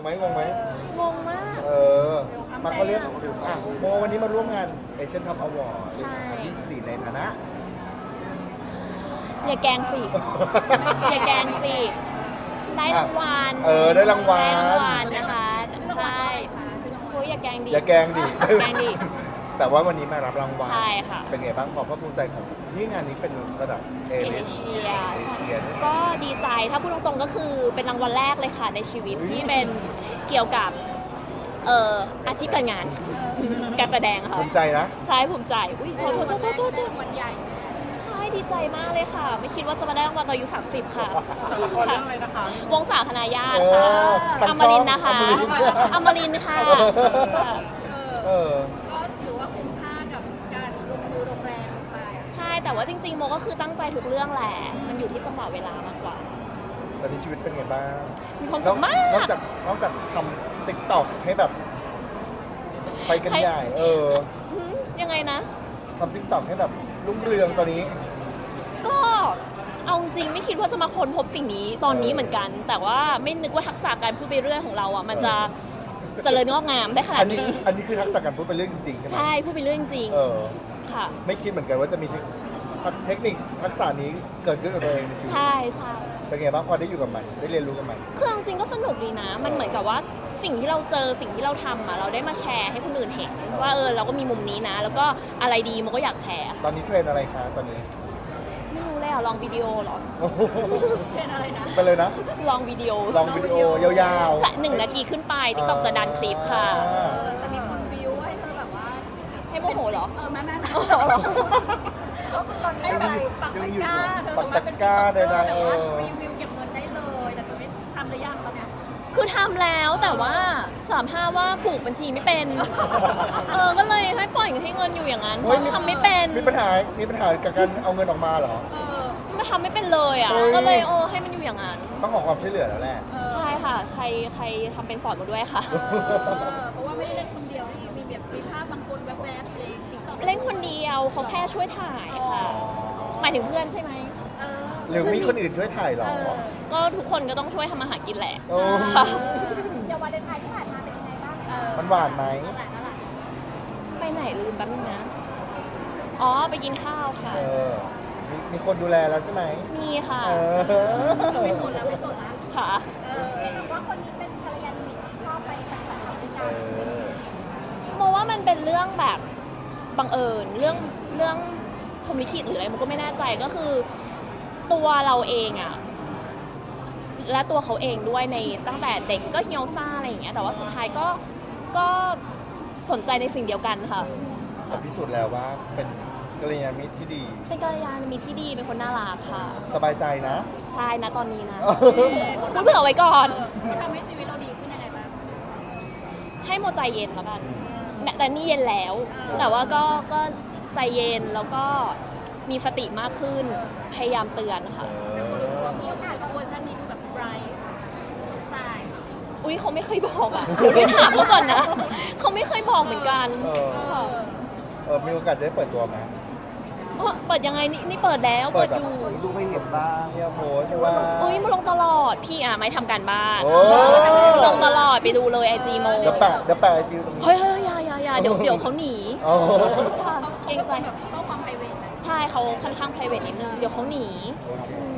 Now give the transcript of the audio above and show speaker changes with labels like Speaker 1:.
Speaker 1: ไหมงงไหม
Speaker 2: งงมาก
Speaker 1: มาเขาเรียกโมวันนี้มาร่วมงานเอเชียนคัพอวอร์ด
Speaker 2: ใช่
Speaker 1: 24ในฐานะ
Speaker 2: อย่าแกล้งสิ อย่าแกล้งสิได้รางวัล
Speaker 1: ได้รางวัล
Speaker 2: ได้รางวัลนะคะใช่โอ้ยอย่าแกล้งดิ
Speaker 1: อย่าแกล้งดิ
Speaker 2: อย่าแกล้งดิ
Speaker 1: แต่ว่าวันนี้มารับรางวัล
Speaker 2: ใช่ค่ะ
Speaker 1: เป็นไงบ้างความภาคภูมิใจของนี่งานนี้เป็นระดับเอ
Speaker 2: เอเชีย
Speaker 1: เชียด้วย
Speaker 2: ก็ดีใจถ้าพูดตรงๆก็คือเป็นรางวัลแรกเลยค่ะในชีวิตที่เป็นเกี่ยวกับอาชีพการงาน การแสดงค่ะ
Speaker 1: ภูมิใจนะ
Speaker 2: ใช่ภูมิใจอุ้ยโทษ
Speaker 3: วันใหญ่
Speaker 2: ใช่ดีใจมากเลยค่ะ ไม่คิดว่าจะมาได้รางวัลตอนอายุ30 ค่ะ
Speaker 3: จากละครเรื่องอะไรนะคะ
Speaker 2: วงศาคณาญาติค่ะ
Speaker 1: ทาง
Speaker 2: อม
Speaker 1: ช่อง
Speaker 2: รินทร์นะคะ
Speaker 1: อมรินทร์
Speaker 2: อมรินทร์ค่ะ
Speaker 3: ก็ถือว่าคุ้มค่ากับการลงมือลงแรงลงไป
Speaker 2: ใช่แต่ว่าจริงๆโมก็คือตั้งใจทุกเรื่องแหละมันอยู่ที่จังหวะเวลามากกว่า
Speaker 1: ตอนนี้ชีวิตเป็นไงบ้าง
Speaker 2: มีความสุขมาก
Speaker 1: นอกจากทำติ๊กต็อกให้แบบ ไปกันใหญ่
Speaker 2: ยังไงนะ
Speaker 1: ทำติ๊กต็อกให้แบบรุ่งเรืองตอนนี้
Speaker 2: ก็เอาจริงไม่คิดว่าจะมาค้นพบสิ่งนี้ตอนนี้เหมือนกัน แต่ว่าไม่นึกว่าทักษะการพูดไปเรื่อยของเราอ่ะมันจะเจริญงอกงามได้ขนาดนี้
Speaker 1: อันนี้คือทักษะการพูดเป็นเรื่องจริงๆใช่ไหม
Speaker 2: ใช่พูดไปเรื่อยจริง
Speaker 1: เออ
Speaker 2: ๆค่ะ
Speaker 1: ไม่คิดเหมือนกันว่าจะมีเทคนิคทักษะนี้เกิดขึ้นกับตัวเองในชีวิต
Speaker 2: ใช่ใช่
Speaker 1: เป็นไงบ้างพอได้อยู่กับมันได้เรียนรู้กับมัน
Speaker 2: คือเอาจริงก็สนุกดีนะ มันเหมือนกับว่าสิ่งที่เราเจอสิ่งที่เราทำอ่ะเราได้มาแชร์ให้คนอื่นเห็นว่าเราก็มีมุมนี้นะ แล้วก็อะไรดีโมก็อยากแชร์
Speaker 1: ตอนนี้เทรนอะไรคะตอนนี้
Speaker 2: ไม่รู้เลยอ่ะลองวิดีโอเหรอ
Speaker 3: เป็นอะไรนะ
Speaker 1: ไปเลยนะ
Speaker 2: ลองวิดีโอ
Speaker 1: ลองวิดีโอยาว
Speaker 2: ใช่1 นาทีขึ้นไปติ๊กต็อกจะดันคลิปค่ะ
Speaker 3: แต่มีคนบิวให้เธอแบบว่า
Speaker 2: ให้โมโหเหรอ
Speaker 3: แม่
Speaker 2: อ๋อเหรอ
Speaker 3: ก็คือตอนนี้แบบปักตะกร้าเธอ
Speaker 1: ปักตะกร้าใดๆ
Speaker 3: แต่ว่ารีวิวเก็บเงินได้เลยแต่เธอไม่ทำหรือยังตอนเนี้ย
Speaker 2: คือทำแล้วแต่ว่า35ว่าผูกบัญชีไม่เป็น ก็เลยให้ปล่อยให้เงินอยู่อย่างนั้นเพ
Speaker 1: เฮ้ย
Speaker 2: ราะทำไม่เป็น
Speaker 1: มีปัญหากับการเอาเงินออกมาเหรอ
Speaker 2: ไม่ทำไม่เป็นเลยอ่ะ
Speaker 1: เฮ้ย
Speaker 2: ก็เลยให้มันอยู่อย่างนั้น
Speaker 1: ต้องขอความช่วยเหลือแล้วแหละ
Speaker 2: ใช่ค่ะ ใครทำเป็นสอนมาด้วยค่ะ
Speaker 3: เพราะว่าไม่ได้เล่นคนเดียวที่มีแบบมีภาพบางคนแวบๆในติ๊กต็อก
Speaker 2: เล่นคนเดียวเขาแค่ช่วยถ่ายค่ะ หมายถึงเพื่อนใช่ไหม
Speaker 1: หรือมีคนอื่นช่วยถ่ายเหรอ
Speaker 2: ก็ทุกคนก็ต้องช่วยทำมาหากินแหละ
Speaker 1: โอ้
Speaker 2: ค่ะ
Speaker 3: เดี๋ยววันเลนไทน์ที่ผ่านมาเป็นยังไงบ้าง
Speaker 1: มันหวานไหม
Speaker 2: ไปไหนลืมแป๊บนึงนะ อ๋อไปกินข้าวค่ะ
Speaker 1: มีคนดูแลแล้วใช่ไหม
Speaker 2: มีค่ะ
Speaker 3: ไม่สนแล้วไม่สนแล้ว
Speaker 2: ค่ะ
Speaker 3: เห็นว่าคนนี้เป็นภรรยานิมิตที่ชอบไปปฏิบัติธรรมด้วยกัน
Speaker 2: โมว่ามันเป็นเรื่องแบบบังเอิญเรื่องพรหมลิขิตหรืออะไรมันก็ไม่แน่ใจก็คือตัวเราเองอะและตัวเขาเองด้วยในตั้งแต่เด็กก็เฮียวซ่าอะไรอย่างเงี้ยแต่ว่าสุดท้ายก็สนใจในสิ่งเดียวกันค่ะ
Speaker 1: แต่พิสูจน์แล้วว่าเป็นกัลยาณมิตรที่ดี
Speaker 2: เป็นกัลยาณมิตรที่ดีเป็นคนน่ารักค่ะ
Speaker 1: สบายใจนะ
Speaker 2: ใช่นะตอนนี้นะพูดเผื่อไว้ก่อน
Speaker 3: เขาทำให้ชีวิตเราดีขึ้นยังไงบ้าง
Speaker 2: ให้โมใจเย็นแล้วกันแต่นี่เย็นแล้ว แต่ว่าก็ใจเย็นแล้วก็มีสติมากขึ้นพยายามเตือนค่ะ
Speaker 3: มีโอกาสเวอร์ชันนี้ดูแบบไบรท์สาย
Speaker 2: อุ้ยเขาไม่เคยบอกอ่ะเดี๋ยวไปถามเขาก่อนนะเขาไม่เคยบอกเหมือนกันค่ะ
Speaker 1: มีโอกาสจะได้เปิดตัวไหม
Speaker 2: เปิดยังไงนี่เปิดแล้วเปิดอยู่
Speaker 1: ดูไม่เห็นบ้างเนี่ยโพสต์ว่า
Speaker 2: อุ้ยมาลงตลอดพี่ไม่ทำการบ้าน
Speaker 1: โอ้
Speaker 2: ลงตลอดไปดูเลยไอจีโม
Speaker 1: เดี๋ยวแปะไอจีตรงนี้
Speaker 2: เฮ้ยอย่าเดี๋ยวเขาหนี
Speaker 1: โอ้
Speaker 2: ค่ะเกรงใจ
Speaker 3: แบบชอบความไพรเวท
Speaker 2: ใช่เขาค่อนข้าง private นิดนึงเดี๋ยวเขาหนี
Speaker 1: โอเค